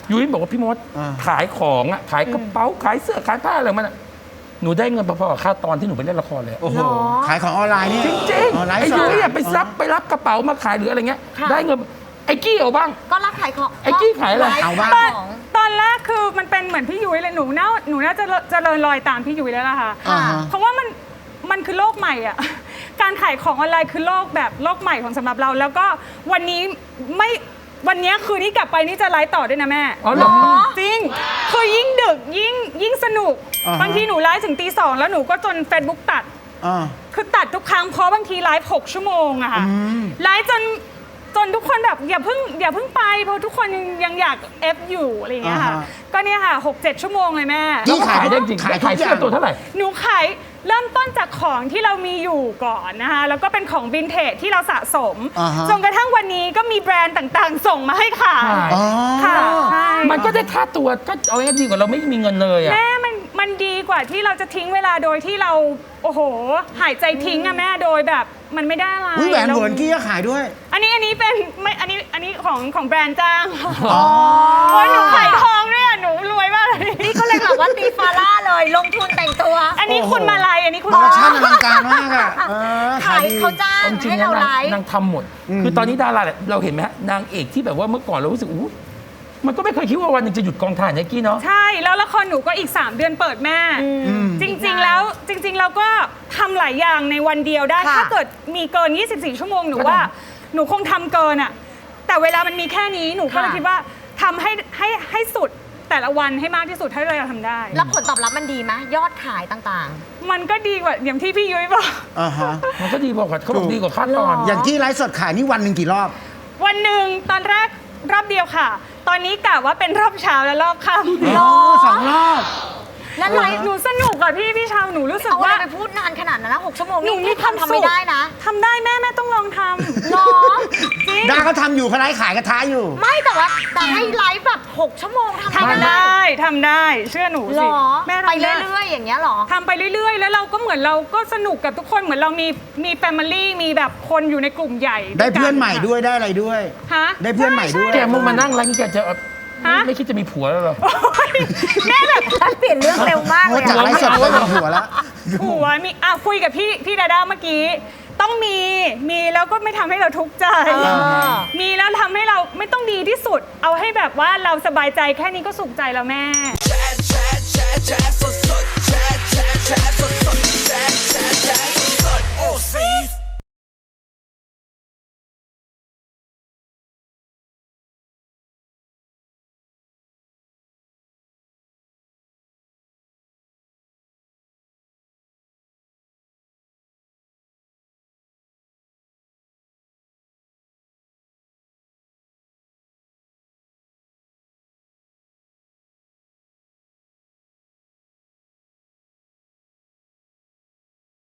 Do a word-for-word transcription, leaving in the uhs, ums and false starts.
ยุ้ยบอกว่าพี่มดขายของอ่ะขายกระเป๋าขายเสื้อขายผ้าอะไรมันอ่ะหนูได้เงินพอๆกับค่าตอนที่หนูไปเล่นละครเลยโอ้โหขายของออนไลน์นี่จริงๆไอ้ยุ้ยไปซับไปรับกระเป๋ามาขายหรืออะไรเงี้ยได้เงินไอ้กี้เอาบ้างก็รับขายของไอ้กี้ขายอะไรเอาบ้างตอนแรกคือมันเป็นเหมือนพี่ยุ้ยเลยหนูน่าหนูน่าจะเจริญรอยตามพี่ยุ้ยแล้วล่ะค่ะเพราะว่ามันมันคือโลกใหม่อ่ะการขายของออนไลน์คือโลกแบบโลกใหม่ของสำหรับเราแล้วก็วันนี้ไม่วันนี้คืนนี้กลับไปนี่จะไลฟ์ต่อด้วยนะแม่อ๋อเหรอจริงคือยิ่งดึกยิ่งยิ่งสนุกบางทีหนูไลฟ์ถึงตีสองแล้วหนูก็จน Facebook ตัดคือตัดทุกครั้งเพราะบางทีไลฟ์หกชั่วโมงอะค่ะไลฟ์จนจนทุกคนแบบอย่าเพิ่งอย่าเพิ่งไปเพราะทุกคนยังยังอยากเอฟอยู่อะไรอย่างเงี้ยค่ะก็เนี่ยค่ะหกเจ็ดชั่วโมงเลยแม่ที่ขายได้จริงขายขายเสื้อตัวเท่าไหร่หนูขายเริ่มต้นจากของที่เรามีอยู่ก่อนนะคะแล้วก็เป็นของวินเทจที่เราสะสมจนกระทั่งวันนี้ก็มีแบรนด์ต่างๆส่งมาให้ขายค่ะมันก็ได้ค่าตัวก็เอาง่ายดีกว่าเราไม่มีเงินเลยอะแม่มันมันดีกว่าที่เราจะทิ้งเวลาโดยที่เราโอ้โหหายใจทิ้งอะแม่โดยแบบมันไม่ได้อะไรแหวนเหวนกี้ก็ขายด้วยอันนี้อันนี้เป็นไม่อันนี้อันนี้ของของแบรนด์จ้างอ๋อโอ้ยหนูขายทองด้วยอะหนูรวยมากเลยนี่ก็เลยแบบว่าตีฟาร่าเลยลงทุนแต่งตัวอันนี้คุณมาลัยอันนี้คุณมาชั่นอลังการมากอะขายเขาจ้างให้เราไลฟ์นางทำหมดคือตอนนี้ดาราเราเห็นไหมฮะนางเอกที่แบบว่าเมื่อก่อนเรารู้สึกอู้มันก็ไม่เคยคิดว่าวันหนึ่งจะหยุดกองถ่ายนะกี้เนาะใช่แล้วละครหนูก็อีกสามเดือนเปิดแม่จริงๆแล้วจริงๆเราก็ทำหลายอย่างในวันเดียวได้ถ้าเกิดมีเกินยี่สิบสี่ชั่วโมงหนูว่าหนูคงทำเกินอะแต่เวลามันมีแค่นี้หนูก็เลยคิดว่าทำให้ให้ให้สุดแต่ละวันให้มากที่สุดเท่าที่เราทำได้แล้วผลตอบรับมันดีไหมยอดขายต่างๆมันก็ดีกว่าอย่างที่พี่ยุ้ยบอกอ่าฮะมันก็ดีกว่าเขาบอกดีกว่าค่าตอนอย่างที่ไลฟ์สดขายนี่วันหนึ่งกี่รอบวันหนึ่งตอนแรกรอบเดียวค่ะตอนนี้กะว่าเป็นรอบเช้าและรอบค่ำรอบสองรอบแล้วไลฟ์หนูสนุกอะพี่พี่ชาวหนูรู้สึกว่าไปพูดนานขนาดนั้นนะหกชั่วโมงนี่ทำทำไม่ได้นะทำได้แม่แม่ต้องลองทำหรอจริงดาเขาทำอยู่เขาไลฟ์ขายกระทะอยู่ไม่แต่ว่าแต่ให้ไลฟ์แบบหกชั่วโมงทำได้ทำได้เชื่อหนูสิแม่ไปเรื่อยๆอย่างเงี้ยหรอทำไปเรื่อยๆแล้วเราก็เหมือนเราก็สนุกกับทุกคนเหมือนเรามีมีแฟมิลี่มีแบบคนอยู่ในกลุ่มใหญ่ได้เพื่อนใหม่ด้วยได้อะไรด้วยฮะได้เพื่อนใหม่ด้วยแกมึงมานั่งไลฟ์แกจะไม่คิดจะมีผัวแล้วหรอแม่แบบเปลี่ยนเรื่องเร็วมากเลยจากไลฟ์สดไปเป็นผัวแล้วผัวมีอ่ะคุยกับพี่พี่ดาด้าเมื่อกี้ต้องมีมีแล้วก็ไม่ทำให้เราทุกข์ใจมีแล้วทำให้เราไม่ต้องดีที่สุดเอาให้แบบว่าเราสบายใจแค่นี้ก็สุขใจแล้วแม่แชร์แชร์แชร์แชร์สดสดแชร์แชร์แชร์สดสดแชร์แชร์แชร์สดสดโอ้ซี